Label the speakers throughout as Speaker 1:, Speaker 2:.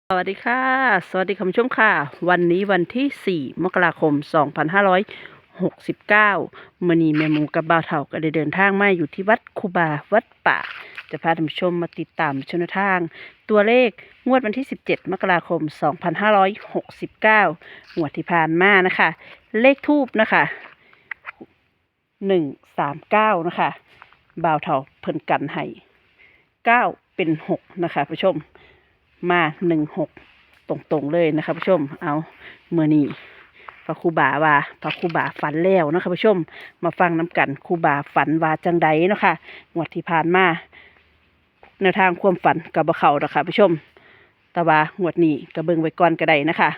Speaker 1: สวัสดีค่ะ สวัสดีคุณผู้ชมค่ะ วันนี้วันที่ 4 มกราคม 2569มื้อนี้แม่หมูกับบ่าวเฒ่าก็ได้เดินทางมาอยู่ที่วัดคูบาวัดป่า จะพาท่านผู้ชมมาติดตามชมแนวทาง ตัวเลขงวดวันที่ 17 มกราคม 2569งวดที่ผ่านมานะคะ เลขทูบนะคะ139นะคะบ่าวเฒ่าเพิ่นกันให้9เป็น6นะคะผู้ชม มา16ตรงๆเลยนะคะผู้ชมเอาเมื่อนี้พระครูบาว่าพระครูบาฝันแล้วนะคะผู้ชมมาฟังน้ำกันครูบาฝันว่าจังใดเนาะค่ะงวดที่ผ่านมาแนวทางความฝันกับบ่เข้านะคะผู้ชมแต่ว่างวดนี้ก็เบิ่งไว้ก่อนก็ได้นะคะ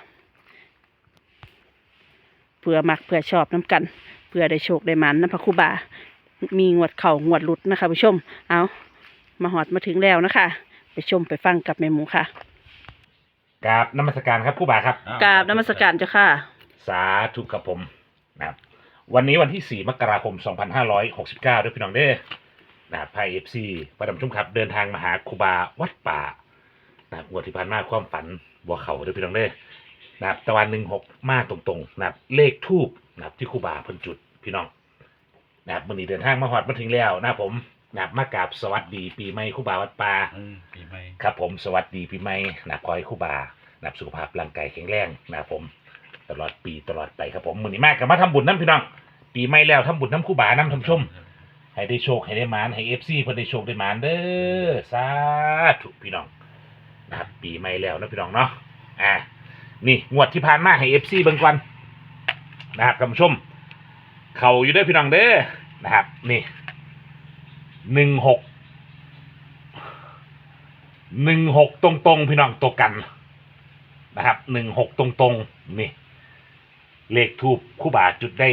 Speaker 1: เพื่อมักเพื่อชอบน้ำกันเพื่อได้โชคได้หมันนะพระครูบามีงวดเข่างวดหลุดนะคะผู้ชมเอามาหอดมาถึงแล้วนะคะไปชมไปฟังกับแม่หมูค่ะ
Speaker 2: กราบนมัสการครับครูบาครับ
Speaker 1: กราบนมัสการเจ้าค่ะ
Speaker 2: สาธุกับผมนะครับวันนี้วันที่ 4 มกราคม 2569ด้วยพี่น้องเด้อนะครับไพเอฟซีประดมชุ่มครับเดินทางมาหาครูบาวัดป่านะครับงวดที่ผ่านมาความฝันบัวเขาด้วยพี่น้องเด้อนะครับตะวัน16มาตรงๆนะครับเลขทูบนะครับที่ครูบาเพิ่นจุดพี่น้องนะครับวันนี้เดินทางมาฮอดมาถึงแล้วนะครับผมนะครับมากราบสวัสดีปีใหม่ครูบาวัดป่า
Speaker 3: ปีใหม่
Speaker 2: ครับผมสวัสดีปีใหม่นะครับขอให้ครูบานะครับสุขภาพร่างกายแข็งแรงนะครับผมตลอดปีตลอดไปครับผมมื้อนี้มากกับมาทำบุญน้ำพี่น้องปีใหม่แล้วทำบุญน้ำครูบาน้ำทำชมให้ได้โชคให้ได้หมานให้FCเพิ่นได้โชคได้หมานเด้อสาธุพี่น้องนะครับปีใหม่แล้วนะพี่น้องเนาะนี่งวดที่ผ่านมาให้ FC เบิ่งก่อนนะครับท่านผู้ชมเข้าอยู่เด้อพี่น้องเด้อนะครับนี่16ตรงๆพี่น้องตัวกันนะครับ16ตรงๆนี่เลขทูบคู่บาจุดได้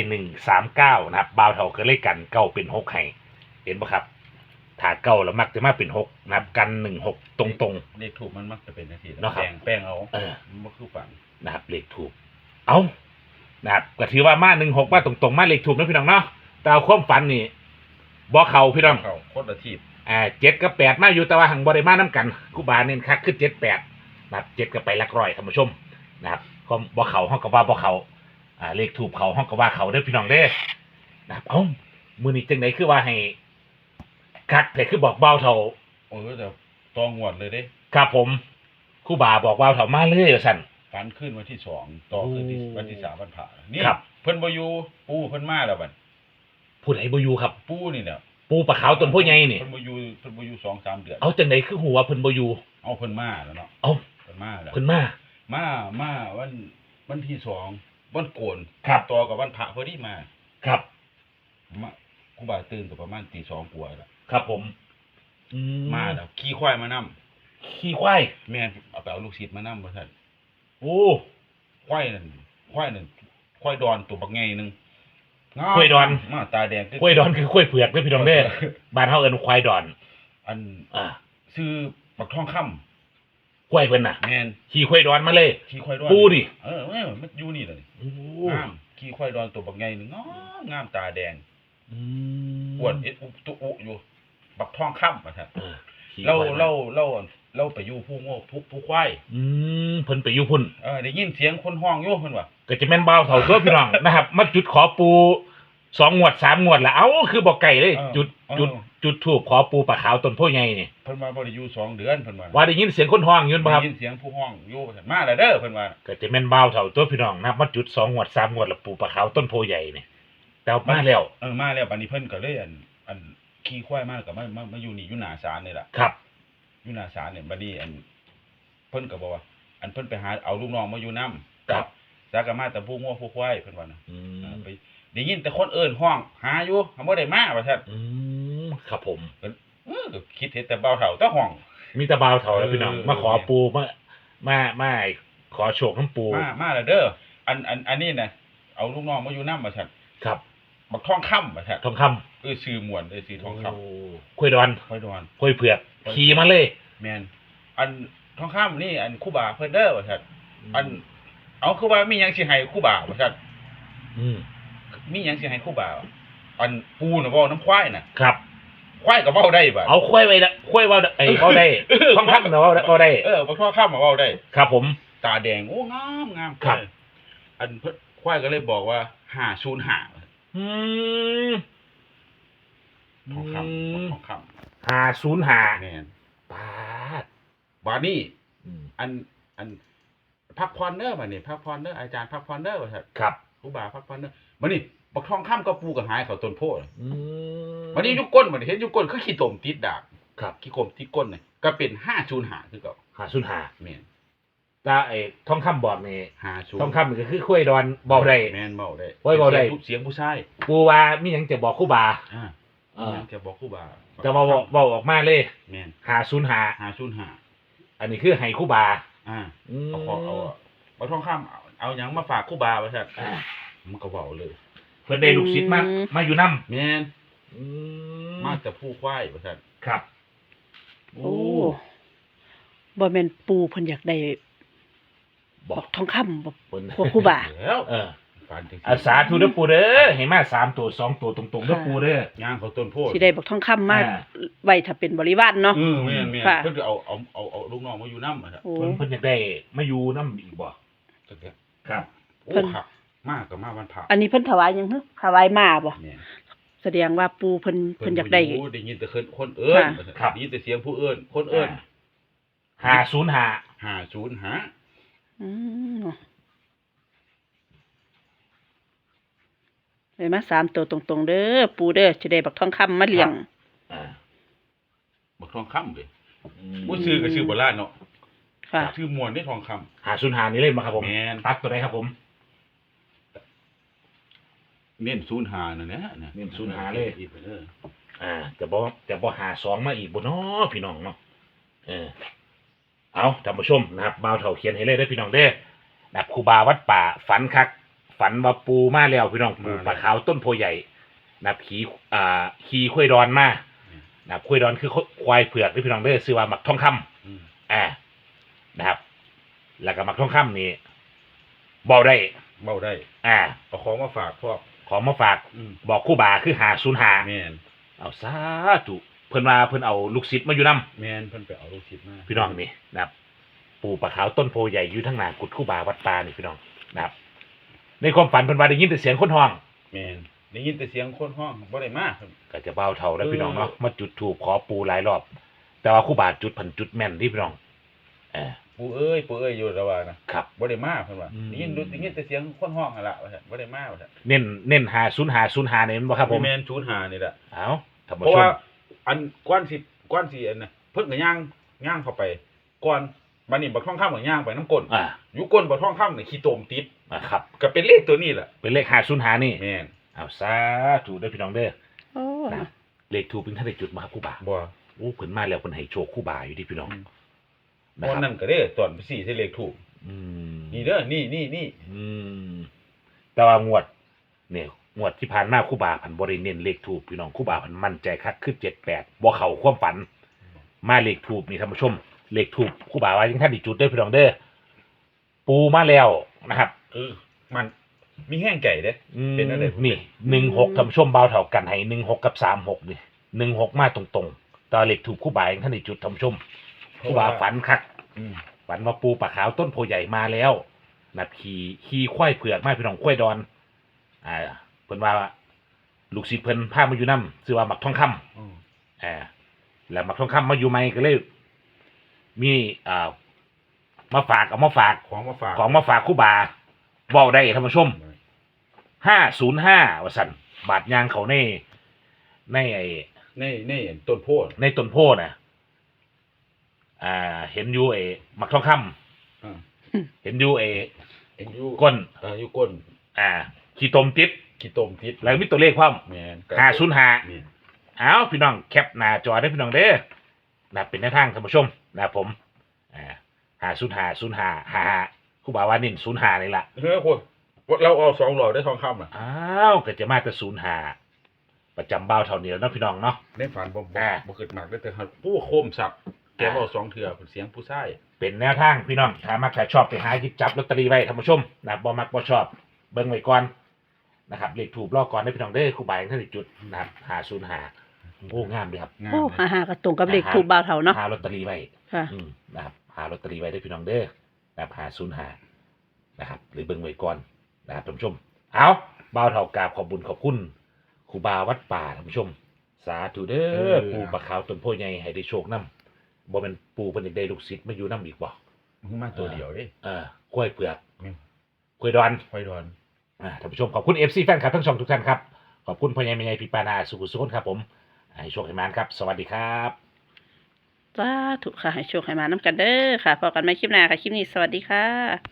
Speaker 2: 139นะครับบ่าวเท่าก็เลขกันเก้าเป็น6ให้เห็นปะครับถ้าเก้าแล้วมักจะมาเป็น6นะครับกัน16ตรงๆ
Speaker 3: เลขถูกมันมักจะเป็นนาที
Speaker 2: เนาะครับ
Speaker 3: แป้งเอา
Speaker 2: มัน
Speaker 3: บ่คือฝัน
Speaker 2: นะครับเลขทูบเอานะครับก็ถือว่ามา16มาตรงๆมาเลขทูบนะพี่น้องเนาะแต่เอาความฝันนี่บ่เข้าพี่น้อง
Speaker 3: เขาโคตรละทีบ
Speaker 2: 7 กับ 8มาอยู่แต่ว่าหังบริมาน้ำกันครูบาเน้นคักขึ้น7 8นะครับ7ก็ไปหลักร้อยท่านผู้ชมนะครับก็บ่เขาห้องกับว่าบ่เขาเลขถูกเขาห้องกับว่าเขาเด้อพี่น้องเด้อนะครับเอ้ามื้อนี้จังไดคือว่าให้คักแต่คือบอกเบาเท่า
Speaker 3: แต่ตองงวดเลยเด้
Speaker 2: ครับผมครูบาบอกเบาเท่ามาเลยว่าซั่น
Speaker 3: ฝันขึ้นวันที่2ต่อขึ้นที่
Speaker 2: โอ้
Speaker 3: วันที่3วันผ่านี่
Speaker 2: ครับ
Speaker 3: เพิ่นบ่อยู่ปู่เพิ่นมาแล้วบัด
Speaker 2: ผู้ใดบ่อยู่ครับ
Speaker 3: ปู่นี่เนี่ย
Speaker 2: ปูปลาขาวต้นผู้ใหญ่นี่
Speaker 3: เพิ่นบ่อยู่2-3 เดือน
Speaker 2: เอาจังไดคือหัวเพิ่นบ่อยู่
Speaker 3: เอาเพิ่นมาแล้วเนาะ
Speaker 2: เอ้า
Speaker 3: เพิ่นมาแล้ว
Speaker 2: เพิ่นมา
Speaker 3: มาวันที่2วันโกน
Speaker 2: ครับ
Speaker 3: ต่อกับวันพระพอดีมา
Speaker 2: ครับ
Speaker 3: มาครูบาตื่นก็ประมาณตี 2กว่าแล้ว
Speaker 2: ครับผมอื
Speaker 3: มาแล้วขี่ควายมานํ
Speaker 2: ขี้ควาย
Speaker 3: แม่นเอาไปเอาลูกศิษย์มานํว่าซั่น
Speaker 2: โอ้
Speaker 3: ควายนั่นควายดอนตัวบักใหญ่หนึงงาม
Speaker 2: ควายดอน
Speaker 3: มาตาแดง
Speaker 2: ควายดอนคือควายเผือกเด้อพี่น้องเด้อบ้านเฮาเอิ้นควายดอน
Speaker 3: อัน
Speaker 2: อ่า
Speaker 3: ซื้อบักทองคำ
Speaker 2: ควายเพิ่นน่ะ
Speaker 3: แม่น
Speaker 2: ขี่ควายดอนมาเลย
Speaker 3: ขี่ควายดอน
Speaker 2: ปูดิ
Speaker 3: มันอยู่นี่เลย
Speaker 2: โอ้
Speaker 3: งามขี่ควายดอนตัวบักใหญ่หนึงงามตาแดง
Speaker 2: อืม
Speaker 3: อ้วนเอ็ดอุตุอุอยู่ บักทองคำว่าซั่น
Speaker 2: ขี่
Speaker 3: เรา
Speaker 2: ควายมา
Speaker 3: เราไปอยู่ผู้โง่ผู้ควาย
Speaker 2: เพิ่นไปอยู่พุ่น
Speaker 3: ได้ยินเสียงคนห้องอยู่เพิ่นว่า
Speaker 2: ก็จะแม่นบ่าวเฒ่าตัวพี่น้อง นะครับ มาจุดขอปู2งวด3งวดแล้วเอ้าคือบ่ไก่เลย จุดธูปขอปูปลาขาวต้นโพใหญ่นี่
Speaker 3: เพิ่นว่าบ่ได้อยู่2เดือนเพิ่นว่า
Speaker 2: ว่าได้ยินเสียงคนฮ้องอยู่บ่ครับ
Speaker 3: ได้ยินเสียงผู้ห้องอยู่ว่าซั่นมาแล้วเด้อเพิ่นว่า
Speaker 2: ก็จะแม่นบ่าวเฒ่าตัวพี่น้องนะครับมาจุด2งวด3งวดแล้วปูปลาขาวต้นโพใหญ่นี่แต่ว่ามาแล้ว
Speaker 3: มาแล้วบัดนี้เพิ่นก็เลยอันขี่ควายมาก็มาอยู่นี่อยู่หน้าศาลนี่ล่ะ
Speaker 2: ครับ
Speaker 3: อยู่หน้าศาลเนี่ยบัดนี้เพิ่นก็บอกว่า เพิ่นไปหาเอาลูกน้องมาอยู่นำ
Speaker 2: ครับ
Speaker 3: จากก็มาแต่ผู้งัวผู้ควายเพิ่นว่านะ
Speaker 2: อืม
Speaker 3: ไปได้ยินแต่คนเอิ้นห้องหาอยู่บ่ได้มาว่าซั่น
Speaker 2: ครับผม
Speaker 3: ก็คิดเห็นแต่เบาเฒ่าแต่ห้อง
Speaker 2: มีแต่บ่าวเฒ่าแล้วพี่น้อง
Speaker 3: เออ
Speaker 2: มาขอปูมาขอโชคน้ำปู
Speaker 3: มาแล้วเด้ออันนี้น่ะเอาลูกน้องมาอยู่นำว่าซั่น
Speaker 2: ครับ
Speaker 3: บักทองคำว่าซั่น
Speaker 2: ทองคำ
Speaker 3: ชื่อม่วนชื่อทองคำ
Speaker 2: คุยดอน
Speaker 3: ค่อยดอน
Speaker 2: คุยเผือกขี่มาเลย
Speaker 3: แม่นอันทองคำนี่อันครูบาเพิ่นเด้อว่าซั่นเอาคือว่ามีหยังสิให้ครูบาว่าซั่น
Speaker 2: อืม
Speaker 3: มีหยังสิให้ครูบาอันปูน่ะเว้าน้ำควายน่ะ
Speaker 2: ครับ
Speaker 3: ควายก็เว้าได้บ่ะ
Speaker 2: เอาควายไว้ละคุยเว่าไอ้เว่าได้ท่องคำเนาะเว่าได้
Speaker 3: บักทองคำมาเว้าได้
Speaker 2: ครับผม
Speaker 3: ตาแดงโอ้งาม
Speaker 2: ครับ
Speaker 3: อันเพิ่นควายก็เลยบอกว่า505
Speaker 2: อืม
Speaker 3: ทองคำทองค
Speaker 2: 505
Speaker 3: ำแม่น
Speaker 2: ปาด
Speaker 3: บาดนี้
Speaker 2: อืม
Speaker 3: อันพักพรเด้อบัดนี้พักพรเด้ออาจารย์พักพรเด้อว่าซั่น
Speaker 2: ครับ
Speaker 3: ครูบาพักพรเด้อบัดนี้บักทองคำกับปูก็หายเข้าต้นโพธิ์
Speaker 2: อืม
Speaker 3: บัดนี้อยู่ก้นบัดนี้เห็นอยู่ก้นคือขี้ตมติดดาก
Speaker 2: ครับ
Speaker 3: ขี้กลมติดก้นนี่ก็เป็น505คือเก่า
Speaker 2: 505
Speaker 3: แม่น
Speaker 2: ถ้าไอ้ท่องคำบอกนี่
Speaker 3: 50
Speaker 2: ท่องคำนี่ก็คือคุยดอนเบาได้
Speaker 3: แม่นเว้าได้
Speaker 2: โอ้ยเว้าได้
Speaker 3: เสียงผู้ชาย
Speaker 2: ปูว่ามีหยังจะบอกครู่บา
Speaker 3: อ่า
Speaker 2: เออ
Speaker 3: จะบอกครูบา
Speaker 2: จะมาบอกออกมาเลย
Speaker 3: แม่น
Speaker 2: 505
Speaker 3: 505
Speaker 2: อันนี้คือให้ครู่บา
Speaker 3: อ่า
Speaker 2: อืม
Speaker 3: เอาบักทองคำเอาหยังมาฝากครูบาว่าซั่น
Speaker 2: อ่า
Speaker 3: มันก็เว้าเลย
Speaker 2: เพิ่นได้ลูกศิษย์มาอยู่นำ
Speaker 3: แม่น
Speaker 2: อื
Speaker 3: มาแต่ผู้ควายว่าซั่น
Speaker 2: ครับ
Speaker 1: โอ้บ่แม่นปูเพิ่นอยากได้
Speaker 2: บบ อ
Speaker 1: อก กทองคำบ่
Speaker 2: เพิ่น
Speaker 1: พวกครูบา
Speaker 3: แล้ว
Speaker 2: เออ
Speaker 3: ฝันจัง
Speaker 2: อาสาธุเด้อปูเด้อให้มา3ตัว2ตัวตรงๆเด้อปูเด้อ
Speaker 3: ย่างเขาต้นโพธิ์
Speaker 1: สิได้บอกทองคำมา
Speaker 2: อ่า
Speaker 1: ไว้ถ้าเป็นบริวารเนาะ
Speaker 3: แม่น
Speaker 1: ค่ะ
Speaker 3: เพิ่นก็เอาลูกน้องมาอยู่นำอะครับ
Speaker 1: โอ้
Speaker 2: เพิ่นอยากได้มาอยู่นำอีกบ่
Speaker 3: จังซี่
Speaker 2: ครับ
Speaker 3: โอ้
Speaker 1: เพิ่น
Speaker 3: ครับมากก็มาวันพระ
Speaker 1: อันนี้เพิ่นถวายหยังฮะถวายมาบ่
Speaker 3: แม่น
Speaker 1: แสดงว่าปูเพิ่นอยากได้
Speaker 3: บ่ได้ยินแต่คนเอิ้น
Speaker 1: ค่ะ
Speaker 2: ครับ
Speaker 3: ได้ยินแต่เสียงผู้เอิ้นคนเอิ้น
Speaker 2: 505
Speaker 3: 505
Speaker 1: อืมเลยมา3ตัวตรงๆเด้อปูเด้อสิได้บักทองคำมาเลี้ยง
Speaker 2: อ่า
Speaker 3: บักทองคำเด้บ่ซื้อก็ซื้อโบราณเนาะ
Speaker 1: ค่ะ
Speaker 3: ชื่อมวนได้ทองคำ
Speaker 2: 505นี่เล่นมาครับผม
Speaker 3: แม่น
Speaker 2: ตัดตัวไหนครับผม
Speaker 3: เน้น05นั่นแหละ
Speaker 2: เน้น05เลย
Speaker 3: อีกไปเด้อ
Speaker 2: จะบ่52มาอีกบ่เนาะพี่น้องเนาะเอาท่านผู้ชมนะครับบ่าวเฒ่าเขียนให้เลยเด้อพี่น้องเด้อนะครับครูบาวัดป่าฝันคักฝันว่าปูมาแล้วพี่น้องปูปลาขาวต้นโพใหญ่นะครับขี่ควายดอนมานะครับควายดอนคือควายเผือกที่พี่น้องเด้อชื่อว่าหมักทองคำ
Speaker 3: อืม
Speaker 2: นะครับ แล้วก็หมักทองคำนี่เว้าได้
Speaker 3: เว้าได้ เอาของมาฝากพวก
Speaker 2: ของมาฝาก
Speaker 3: อืม
Speaker 2: บอกครูบาคือ505
Speaker 3: แม่น
Speaker 2: เอาสาธุเพิ่นว่าเพิ่นเอาลูกศิษย์มาอยู่นํ
Speaker 3: แม่นเพิ่นไปเอาลูกศิษย์มา
Speaker 2: พี่น้องนี่นะครับปู่ปลาขาวต้นโพใหญ่อยู่ทั้งหน้ากุดคู่บาวัดตานี่พี่น้องนะครับ ในความฝันเพิ่นว่าได้ยินแต่เสียงคนห้อง
Speaker 3: แม่นได้ยินแต่เสียงคนห้องบ่ได้มาครับ
Speaker 2: ก็จะเบาเท่าแล้วพี่น้องเนาะมาจุดธูปขอปู่หลายรอบ แต่ว่าครู่บาจุดพันจุดแม่นที่พี่น้องเออ
Speaker 3: ปู่เอ้ยอยู่ระว่านะครับ บ่ได้มาเพิ่นว่า
Speaker 2: อืม
Speaker 3: ได้ยินแต่เสียงคนห้องนั่นล่ะว่าซั่นบ่ได้มาว่าซั่น
Speaker 2: เน้น505นี่แม่นบ่ครับผม
Speaker 3: แม่น05นี่แหละ
Speaker 2: เอาท่าน
Speaker 3: เพ
Speaker 2: ผู้
Speaker 3: ราะ
Speaker 2: ช
Speaker 3: ว่าม อันก้อนสิอันน่ะเพิ่นก็ย่างเข้าไปก่อนบัดนี้บักทองคำก็ย่างไปน้ำก้น อยู่ก้นบักทองคำนี่ขี้ตมติด
Speaker 2: ครับ
Speaker 3: ก็เป็นเลขตัวนี้แหละ
Speaker 2: เป็นเลข505นี่
Speaker 3: แม่น
Speaker 2: เอาสาธุเด้อพี่น้องเด้อ
Speaker 1: โอ้
Speaker 2: นะเลขถูกเป็นท่านได้จุดมาครับครู่บา
Speaker 3: บ่
Speaker 2: โอ้เพิ่นมาแล้วเพิ่นให้โชคครู่บาอยู่ที่พี่น้อง
Speaker 3: อืม
Speaker 2: นะ
Speaker 3: วัน
Speaker 2: ครั
Speaker 3: นั้
Speaker 2: บ
Speaker 3: นก็ได้ตอนไป4ใส่เลขถูก
Speaker 2: อืม
Speaker 3: นี่เด้อนี่
Speaker 2: อืมแต่ว่างวดเนี่ยงวดที่ผ่านมาครู่บาพันบริเน้นเลขถูกพี่น้องครู่บาพันมั่นใจคักขึ้น78บ่เข้าความฝัน มาเลขถูกนี่ท่านผู้ชมเลขถูกครู่บาว่ายังท่านอีกจุดเด้อพี่น้องเด้อปูมาแล้วนะครับ
Speaker 3: มันมีแห้งไก่เด้ เป็นอะไร
Speaker 2: นี่16ท่านผู้ชมเบาเท่ากันให้16กับ36นี่16มาตรงๆแต่เลขถูกครู่บายังท่านอีกจุดท่านผู้ชมครู่บาฝันคัก
Speaker 3: อืม
Speaker 2: ฝันว่าปูปลาขาวต้นโพใหญ่มาแล้วนะขี่ควายเผือกมาพี่น้องควายดอนเพิ่นว่าลูกศิษย์เพิ่นพามาอยู่นำชื่อว่าหมักทองคำ
Speaker 3: อืม
Speaker 2: แล้วหมักทองคำมาอยู่ใหม่ก็เลยมีมาฝากเอามาฝาก
Speaker 3: ของมาฝาก
Speaker 2: ของมาฝากครู่บาเว้าได้ท่านผู้ชม505ว่าซั่นบาทยางเขาในไอ้
Speaker 3: ในต้นโพธิ์
Speaker 2: ในต้นโพน่ะเห็นอยู่ไอ้หมักทองคำ
Speaker 3: อ่า
Speaker 2: เห็นอยู่ไอ้
Speaker 3: เห็นอยู่
Speaker 2: ก้น
Speaker 3: อยู่ก้น
Speaker 2: ขี้ตมติด
Speaker 3: ขี้ตมทิศ
Speaker 2: แล้วมีตัวเลขความ
Speaker 3: แม่น
Speaker 2: 505
Speaker 3: นี่
Speaker 2: เอาพี่น้องแคปหน้าจอได้พี่น้องเด้อนะเป็นแนวทางท่านผู้ชมนะผม505 ครู่บาวานิน05นี่ล่ะ
Speaker 3: คนเราเอา2หลอดได้ทองคำน่ะ
Speaker 2: อ้าวก็จะมาแต่05ประจำเบ้าเท่านี้แล้วเนาะพี่น้องเนาะ
Speaker 3: ในฝันบ่
Speaker 2: อ่า
Speaker 3: คิดมากได้แต่ผู้โคมสับแกเว้า2เทื่อเสียงผู้ชาย
Speaker 2: เป็นแนวทางพี่น้องถ้ามักถ้าชอบไปหาหยิบจับลอตเตอรี่ไว้ท่านผู้ชมนะบ่มักบ่ชอบเบิ่งไว้ก่อนนะครับเลขถูกรอก่อนได้พี่น้องเด้อครู่บายังท่านได้จุดนะครับ505 โอ้งามเลยครับ
Speaker 3: งาม
Speaker 1: โอ้
Speaker 3: เลย
Speaker 1: หาก็ตรงกับเลขถูกบ่าวเฒ่าเนาะ
Speaker 2: หาลอตเตอรี่ไว้
Speaker 1: ค่ะ
Speaker 2: นะครับหาลอตเตอรี่ไว้ได้พี่น้องเด้อนะครับ505นะครับหรือเบิ่งไว้ก่อนนะครับท่านผู้ชมเอาบ่าวเฒ่ากราบขอบบุญขอบคุณครูบาวัดป่าท่านผู้ชม สาธุเด้อปู่ปะขาวต้นโพใหญ่ให้ได้โชคนำบ่แม่นปู่เพิ่นอยากได้ลูกศิษย์มาอยู่นำอีกบ่
Speaker 3: มึงมาตัวเดียวเด้
Speaker 2: กล้วยเผือก
Speaker 3: อืม
Speaker 2: กล้วยดอน
Speaker 3: ไฟดอน
Speaker 2: ท่านผู้ชมขอบคุณ FC แฟนคลับทั้งช่องทุกท่านครับขอบคุณพ่อใหญ่แม่ใหญ่พี่ปานาสุขุสุขนครับผมให้โชคให้มานครับ สวัสดีครับ
Speaker 1: สาธุค่ะให้โชคให้มาน้ำกันเด้อค่ะพอกันใหม่คลิปหน้าค่ะ คลิปนี้สวัสดีค่ะ